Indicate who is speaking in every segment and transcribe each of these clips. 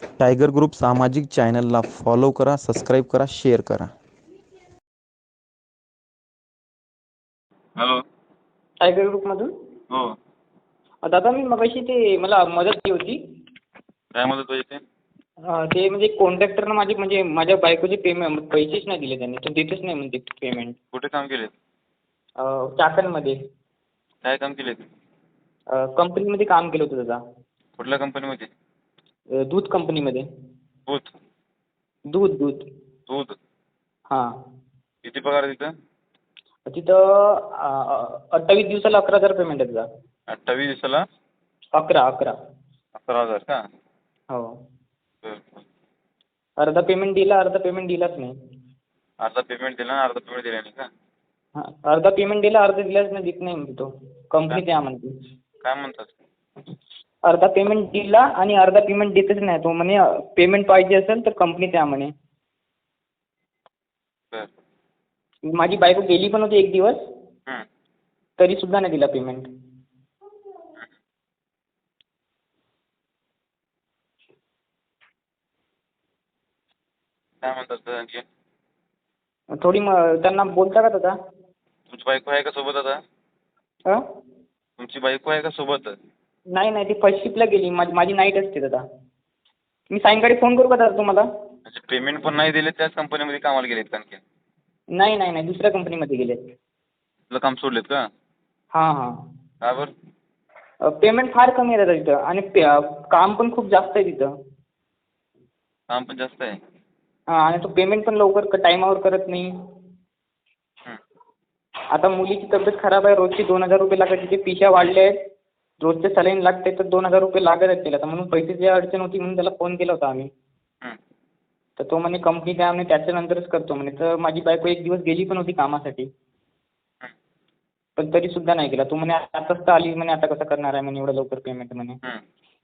Speaker 1: Tiger group सामाजिक चॅनलला follow करा, सबस्क्राईब करा, शेअर करा.
Speaker 2: हॅलो.
Speaker 3: टायगर ग्रुपमधून.
Speaker 2: हो.
Speaker 3: दादा मी मगाशी ते मला मदत केली होती.
Speaker 2: काय मदत पाहिजे ते?
Speaker 3: ते म्हणजे कॉन्ट्रॅक्टरनं माझी म्हणजे माझ्या बायकोचे पैसेच नाही दिले त्यांनी. तो देतच नाही म्हणते पेमेंट.
Speaker 2: कुठे काम केले?
Speaker 3: चाकणमध्ये.
Speaker 2: काय काम केले?
Speaker 3: कंपनीमध्ये काम केलं होतं दादा.
Speaker 2: कुठल्या कंपनीमध्ये?
Speaker 3: दूध कंपनीमध्ये.
Speaker 2: दूध.
Speaker 3: दूध दूध.
Speaker 2: दूध.
Speaker 3: हां.
Speaker 2: किती पगार आहे तिथं?
Speaker 3: तिथं 28 दिवसाला 11,000 पेमेंट आहे दादा.
Speaker 2: 28 दिवसाला
Speaker 3: 11,000.
Speaker 2: 11,000 का?
Speaker 3: हो.
Speaker 2: बरं बरं.
Speaker 3: अर्धा पेमेंट दिला, अर्धा पेमेंट दिलाच नाही.
Speaker 2: अर्धा पेमेंट दिला आणि अर्धा पेमेंट दिला नाही का?
Speaker 3: हां, अर्धा पेमेंट दिला, अर्धा दिलाच नाही, देत नाही म्हणते तो. कंपनी द्या म्हणते.
Speaker 2: काय म्हणतात?
Speaker 3: अर्धा पेमेंट दिला आणि अर्धा पेमेंट देतच नाही तो. म्हणे पेमेंट पाहिजे असेल तर कंपनी द्या म्हणे.
Speaker 2: बरं.
Speaker 3: माझी बायको गेली पण होती एक दिवस,
Speaker 2: हं.
Speaker 3: तरी सुद्धा नाही दिला पेमेंट.
Speaker 2: काय म्हणतात सर आणखी?
Speaker 3: थोडी त्यांना बोलता का दादा?
Speaker 2: तुमची बायको आहे का सोबत आता?
Speaker 3: हां?
Speaker 2: तुमची बायको आहे का सोबत?
Speaker 3: नाही नाही, ती फर्स्ट शिफ्टला गेली. माझी नाईट असते दादा. मी सायंकाळी फोन करू का दादा तुम्हाला?
Speaker 2: म्हणजे पेमेंट पण नाही दिले, त्याच कंपनीमध्ये कामाला गेलेत का आणखी?
Speaker 3: नाही नाही नाही, दुसऱ्या कंपनीमध्ये गेले.
Speaker 2: तुला काम सोडलेत का?
Speaker 3: हां हां.
Speaker 2: का बरं?
Speaker 3: पेमेंट फार कमी आहे दादा तिथं आणि काम पण खूप जास्त आहे तिथं.
Speaker 2: काम पण जास्त आहे.
Speaker 3: हां, आणि तो पेमेंट पण लवकर टायमावर करत नाही.
Speaker 2: हं.
Speaker 3: आता मुलीची तब्येत खराब आहे, रोजचे 2,000 रुपये लागत. तिचे पिशा वाढल्या आहेत, रोजचे सलाईन लागते, तर 2,000 रुपये लागत आहेत तिला. तर म्हणून पैशाची अडचण होती म्हणून त्याला फोन केला होता आम्ही.
Speaker 2: हं.
Speaker 3: तर तो म्हणे कंपनी द्या म्हणे, त्याच्यानंतरच करतो म्हणे. तर माझी बायको एक दिवस गेली पण होती कामासाठी,
Speaker 2: हं.
Speaker 3: पण तरी सुद्धा नाही केला. तो म्हणे आताच तर आली म्हणे, आता कसं करणार आहे म्हणे एवढं लवकर पेमेंट म्हणे.
Speaker 2: हं.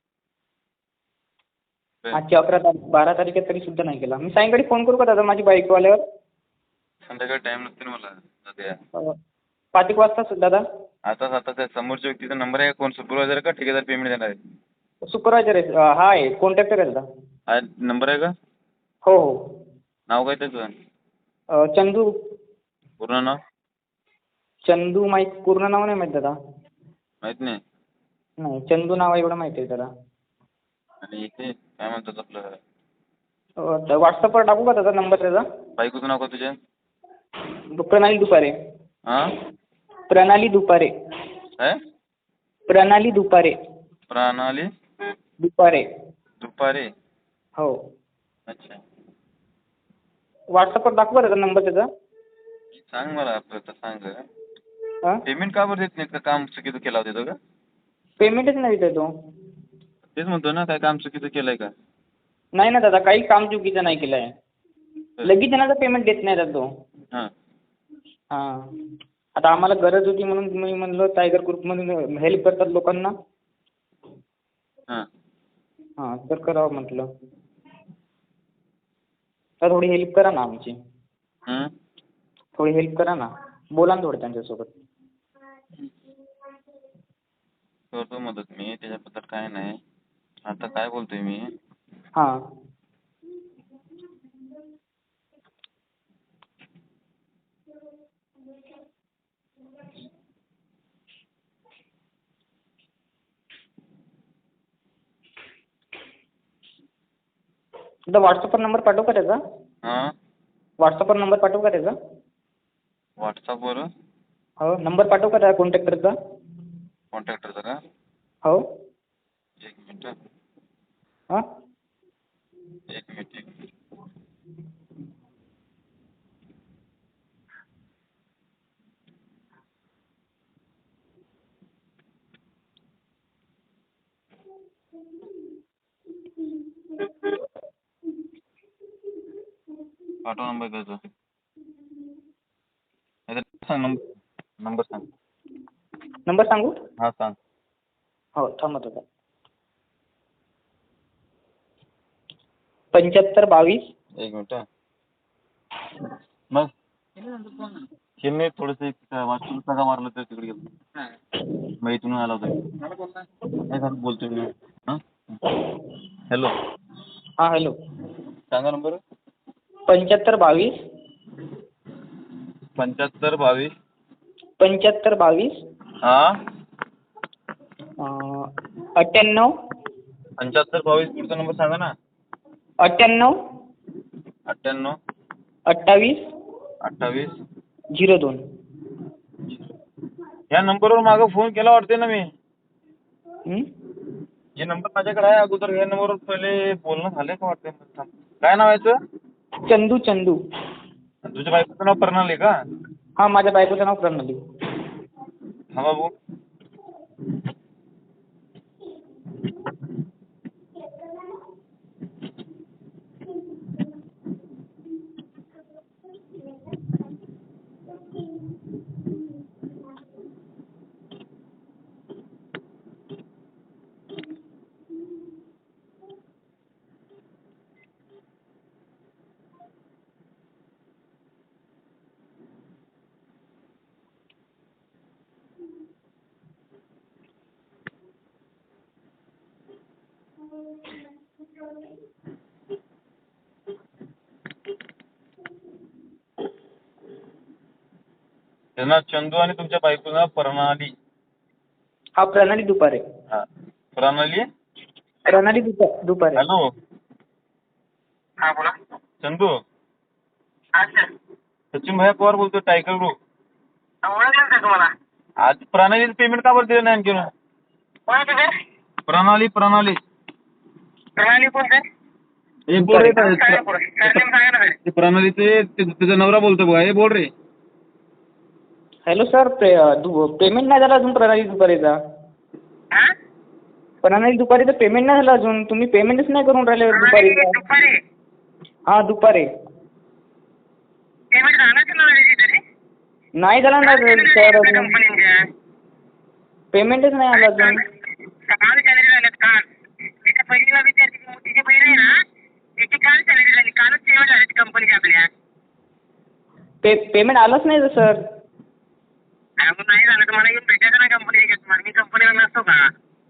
Speaker 3: आजची 12 तारीख आहे तरी सुद्धा नाही केला. मी सायंकाळी फोन करू का दादा माझी बायको आल्यावर?
Speaker 2: संध्याकाळी टाईम नसते ना मला सध्या.
Speaker 3: 5 एक वाजता दादा.
Speaker 2: आता त्या समोरच्या व्यक्तीचा नंबर आहे, कोण सुपरवायझर का ठेकेदार पेमेंट देणार आहे?
Speaker 3: सुपरवायझर आहे. हा आहे, कॉन्ट्रॅक्टर आहे दादा.
Speaker 2: हा नंबर आहे का?
Speaker 3: हो हो.
Speaker 2: नाव काय त्याचं?
Speaker 3: चंदू.
Speaker 2: पूर्ण नाव?
Speaker 3: चंदू पूर्ण नाव नाही माहीत दादा.
Speaker 2: माहीत नाही.
Speaker 3: नाही, चंदू नाव एवढं माहिती आहे दादा.
Speaker 2: आणि इथे काय म्हणतात आपलं?
Speaker 3: व्हॉट्सअपवर टाकू का दादा नंबर त्याचा?
Speaker 2: बायकोचं नाव का तुझ्या?
Speaker 3: प्रणाली दुपारे.
Speaker 2: हां?
Speaker 3: प्रणाली दुपारे.
Speaker 2: काय?
Speaker 3: प्रणाली दुपारे.
Speaker 2: प्रणाली
Speaker 3: दुपारे.
Speaker 2: दुपारे.
Speaker 3: हो.
Speaker 2: अच्छा.
Speaker 3: व्हॉट्सअपवर दाखवू का दादा नंबर त्याचा?
Speaker 2: सांग मला आपलं तर सांग.
Speaker 3: हां?
Speaker 2: पेमेंट का बरं देत नाहीत का? काम चुकीचं केलं होतं तिथं का?
Speaker 3: पेमेंटच नाही देत तो.
Speaker 2: तेच म्हणतो ना, काय काम चुकीचं केलंय का?
Speaker 3: नाही ना दादा, काही काम चुकीचं नाही केलं आहे. लगेच येण्याचं पेमेंट देत नाही दादा तो.
Speaker 2: हां.
Speaker 3: हां. आता आम्हाला गरज होती म्हणून मी म्हणलं टायगर ग्रुपमधून हेल्प करतात लोकांना.
Speaker 2: हां.
Speaker 3: हां, तर करावं म्हटलं. तर थोडी हेल्प करा ना आमची.
Speaker 2: हं?
Speaker 3: थोडी हेल्प करा ना. बोला ना थोडं त्यांच्यासोबत.
Speaker 2: करतो मदत मी, त्याच्याबद्दल काय नाही. आता काय बोलतोय मी?
Speaker 3: हां. दादा व्हॉट्सअपवर नंबर पाठवू का त्याचा?
Speaker 2: हां?
Speaker 3: व्हॉट्सअपवर नंबर पाठवू का त्याचा?
Speaker 2: व्हॉट्सअपवर
Speaker 3: हो, नंबर पाठवू का त्या कॉन्ट्रॅक्टरचा?
Speaker 2: कॉन्टॅक्टरचा का?
Speaker 3: हो.
Speaker 2: एक मिनिट.
Speaker 3: हां?
Speaker 2: एक मिनिट. पाठव नंबर त्याचा. नाहीतर सांग नंबर सांग.
Speaker 3: नंबर सांगू?
Speaker 2: हां सांग.
Speaker 3: हो, थांबा दादा. 7522.
Speaker 2: एक मिनिट. मग हे नाही थोडंसं एक वाचून सगळं मारलं तर तिकडे गेलो. मग इथून आला होता. नाही बोलतोय मी. हां? हॅलो.
Speaker 3: हां हॅलो.
Speaker 2: सांगा नंबर.
Speaker 3: 7522
Speaker 2: 7522
Speaker 3: 7522
Speaker 2: हां
Speaker 3: 98
Speaker 2: 7522 पुढचा नंबर सांगा ना.
Speaker 3: 98
Speaker 2: 98
Speaker 3: 28
Speaker 2: 28
Speaker 3: 02.
Speaker 2: ह्या नंबरवर मागं फोन केला वाटते ना मी.
Speaker 3: हं?
Speaker 2: हे नंबर माझ्याकडे आहे अगोदर. ह्या नंबरवर पहिले बोलणं झालंय का वाटते. काय नाव आहे याचं?
Speaker 3: चंदू चंदू.
Speaker 2: तुझ्या बायकोचं नाव प्रणाली का?
Speaker 3: हां माझ्या बायकोचं नाव प्रणाली.
Speaker 2: हा बाबू. त्यांना चंदू आणि तुमच्या बायकोचं नाव प्रणाली.
Speaker 3: हा प्रणाली दुपारे.
Speaker 2: हा प्रणाली.
Speaker 3: प्रणाली दुपारे.
Speaker 2: हॅलो.
Speaker 3: हां बोला.
Speaker 2: चंदू.
Speaker 3: हां सर.
Speaker 2: सचिन भैया पवार बोलतोय टायगर ग्रुप.
Speaker 3: ओळखलं का तुम्हाला?
Speaker 2: आज प्रणालीचं पेमेंट का बरं दिलं नाही आणखी?
Speaker 3: कोणाचं सर?
Speaker 2: प्रणाली प्रणाली.
Speaker 3: प्रणाली कोण सर?
Speaker 2: हे बोल रे.
Speaker 3: सरनेम सांगा ना सर.
Speaker 2: ते प्रणालीचे त्याचा नवरा बोलतो बघा. हे बोल रे.
Speaker 3: Hello sir. पेमेंट नाही झालं अजून प्रणाली दुपारीचा.
Speaker 4: हां?
Speaker 3: प्रणाली दुपारीचं पेमेंट नाही झालं अजून. तुम्ही पेमेंटच नाही करून राहिले दुपारीचं.
Speaker 4: दुपारी
Speaker 3: हां दुपारी.
Speaker 4: पेमेंट झालं का नाही तरी?
Speaker 3: नाही झालं ना सर अजून.
Speaker 4: कंपनीच्या
Speaker 3: पेमेंटच नाही आलं अजून.
Speaker 4: काल सॅलरी झाल्यात काल. एका बहिणीला विचारते की मोठीची बहीण आहे ना त्याची काल सॅलरी झाली. कालच पेमेंट झाली कंपनीच्या आपल्या.
Speaker 3: पेमेंट आलंच नाही सर.
Speaker 4: अजून नाही झालं तर मला येऊन भेटायचं ना कंपनी घेत. मी कंपनीला नसतो का?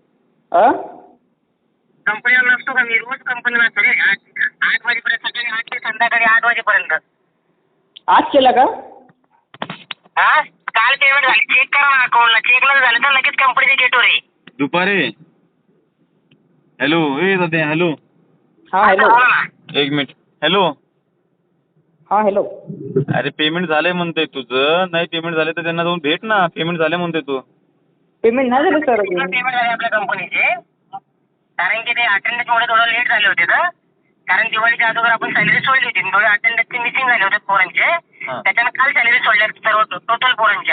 Speaker 4: कंपनीला नसतो का? मी रोज कंपनीला असतो रे. 8 वाजेपर्यंत सकाळी 8 ते संध्याकाळी 8 वाजेपर्यंत.
Speaker 3: आज केला का?
Speaker 4: हां काल पेमेंट झाली. चेक करा ना अकाउंटला. चेकला झालं तर लगेच कंपनीच्या गेटवर आहे.
Speaker 2: दुपारे. हॅलो. ए दादा हॅलो.
Speaker 3: हां हॅलो.
Speaker 4: बोला ना.
Speaker 2: एक मिनिट. हॅलो.
Speaker 3: हां हॅलो.
Speaker 2: अरे पेमेंट झालंय म्हणतोय तुझं. नाही पेमेंट झालं तर त्यांना जाऊन भेट ना. पेमेंट झालं म्हणतोय तू.
Speaker 3: पेमेंट नाही झालं सर अजून.
Speaker 4: पेमेंट झाले आपल्या कंपनीचे. कारण की ते अटेंडन्समुळे थोडं लेट झाले होते ना. कारण दिवाळीच्या अगोदर आपण सॅलरी सोडली होती. थोडे अटेंडन्सचे मिसिंग झाले होते पोरांचे. त्याच्यानं काल सॅलरी सोडल्या सर्व टोटल पोरांच्या.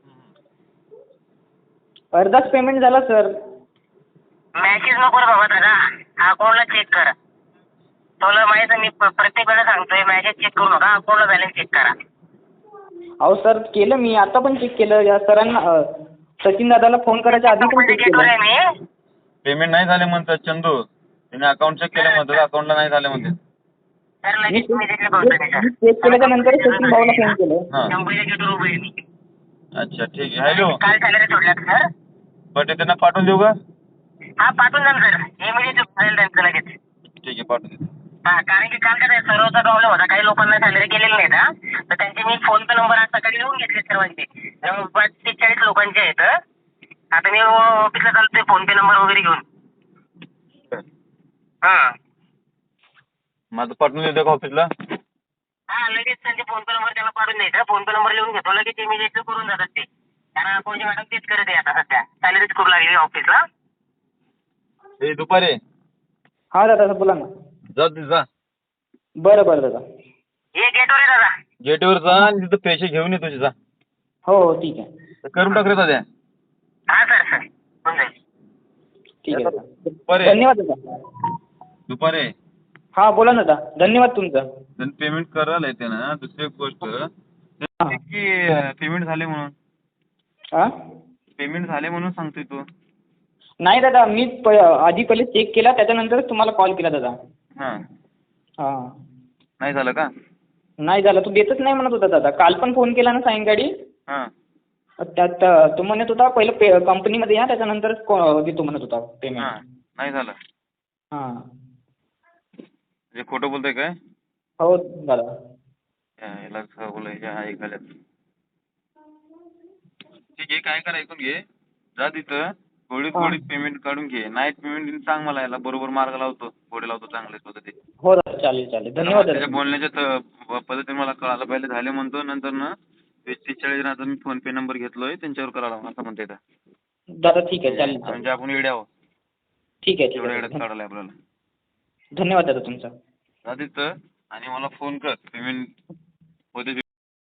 Speaker 3: अर्धाच पेमेंट झाला सर.
Speaker 4: मॅसेज नको रे बाबा दादा. अकाउंटला चेक कर. तुला माहित आहे मी प्रत्येक वेळेला सांगतोय मॅसेज चेक करू नका. अकाउंटला बॅलन्स चेक करा.
Speaker 3: अहो सर केलं मी. आता पण चेक केलं. या सरांना सचिन दादाला फोन करायच्या आधी पण चेक
Speaker 4: गेटवर आहे
Speaker 3: केलं.
Speaker 4: मी.
Speaker 2: पेमेंट नाही झाले म्हणतात चंदू. त्याने अकाउंट चेक केलं म्हणतात. अकाउंटला नाही झाले म्हणतात.
Speaker 4: सर
Speaker 3: मी
Speaker 4: लगेच इमिजिएटली बोलतोय मी सर.
Speaker 3: चेक केल्याच्या नंतर सचिन भाऊला फोन केलं.
Speaker 2: हां
Speaker 4: कंपनीच्या गेटवर उभे आहे मी.
Speaker 2: अच्छा ठीक आहे. हॅलो.
Speaker 4: काल सॅलरी सोडल्यात सर.
Speaker 2: बट ते त्यांना पाठवून देऊ का?
Speaker 4: हा पाठवून द्या ना सर. इमिजिएटली होईल त्यांचं लगेच.
Speaker 2: ठीक आहे पाठवून देतो.
Speaker 4: हा कारण की काल काय सर्वचा प्रॉब्लेम होता. काही लोकांना सॅलरी केलेली नाही ना. तर त्यांचे मी फोन पे नंबर आज सकाळी लिहून घेतले सर्वांचे. जवळपास 43 लोकांचे आहेत. आता मी ऑफिसला चालतोय फोन पे नंबर वगैरे घेऊन. हां
Speaker 2: माझं पाठवून देतो का ऑफिसला?
Speaker 4: हा लगेच त्यांचे फोन पे नंबर त्याला पाठवून द्यायचा. फोन पे नंबर लिहून घेतो. लगेच इमिजिएटली करून जातात ते. कारण अकाउंटची मॅडम तेच करत आहे आता सध्या. सॅलरीच करू लागली ऑफिसला.
Speaker 2: हे दुपारे.
Speaker 3: हां दादा बोला ना.
Speaker 2: जा जा.
Speaker 3: बरं बरं दादा.
Speaker 4: ये गेटवर आहे दादा.
Speaker 2: गेटवर जा आणि तिथं पैसे घेऊन ये तुझे जा.
Speaker 3: हो हो ठीक आहे.
Speaker 2: करून टाक रे दादा.
Speaker 4: हा सर सर होऊन जाईल.
Speaker 3: ठीक आहे दादा.
Speaker 2: दुपारे.
Speaker 3: धन्यवाद दादा.
Speaker 2: दुपारे.
Speaker 3: हां बोला ना दादा. धन्यवाद तुमचा.
Speaker 2: त्यांनी पेमेंट करायला येते ना. दुसरी एक गोष्ट की पेमेंट झाले म्हणून.
Speaker 3: हां
Speaker 2: पेमेंट झाले म्हणून सांगतोय तू.
Speaker 3: नाही दादा मी आधी पहिले चेक केला त्याच्यानंतरच तुम्हाला कॉल केला दादा.
Speaker 2: हां
Speaker 3: हां
Speaker 2: नाही झालं का?
Speaker 3: नाही झालं. तू देतच नाही म्हणत होता दादा. काल पण फोन केला ना सायंकाळी.
Speaker 2: हां
Speaker 3: त्यात तो म्हणत होता पहिलं कंपनीमध्ये या त्याच्यानंतरच देतो म्हणत होता पेमेंट.
Speaker 2: हां नाही झालं.
Speaker 3: हां
Speaker 2: म्हणजे खोटं बोलतोय काय?
Speaker 3: हो दादा.
Speaker 2: याला बोलायच्या ऐकायला. ठीक आहे, काय करा ऐकून घे. जा तिथं गोडीत पेमेंट काढून घे. नाईट पेमेंट सांग मला, याला बरोबर मार्ग लावतो, गोडे लावतो चांगले पद्धतीने.
Speaker 3: हो दादा, चालेल चालेल. धन्यवाद
Speaker 2: त्याच्या
Speaker 3: दादा.
Speaker 2: बोलण्याच्या पद्धतीने मला कळालं. पहिले झाले म्हणतो, नंतर ना 43 मी फोन पे नंबर घेतलोय त्यांच्यावर करायला असं म्हणते.
Speaker 3: दादा ठीक आहे, चालेल
Speaker 2: म्हणजे
Speaker 3: चालेल.
Speaker 2: आपण वेड्या आहोत.
Speaker 3: ठीक आहे ठीक
Speaker 2: एवढ्या
Speaker 3: आहे
Speaker 2: वेळात
Speaker 3: दादा.
Speaker 2: काढायला आपल्याला.
Speaker 3: धन्यवाद दादा तुमचा.
Speaker 2: जा तिथं आणि मला फोन कर पेमेंट होते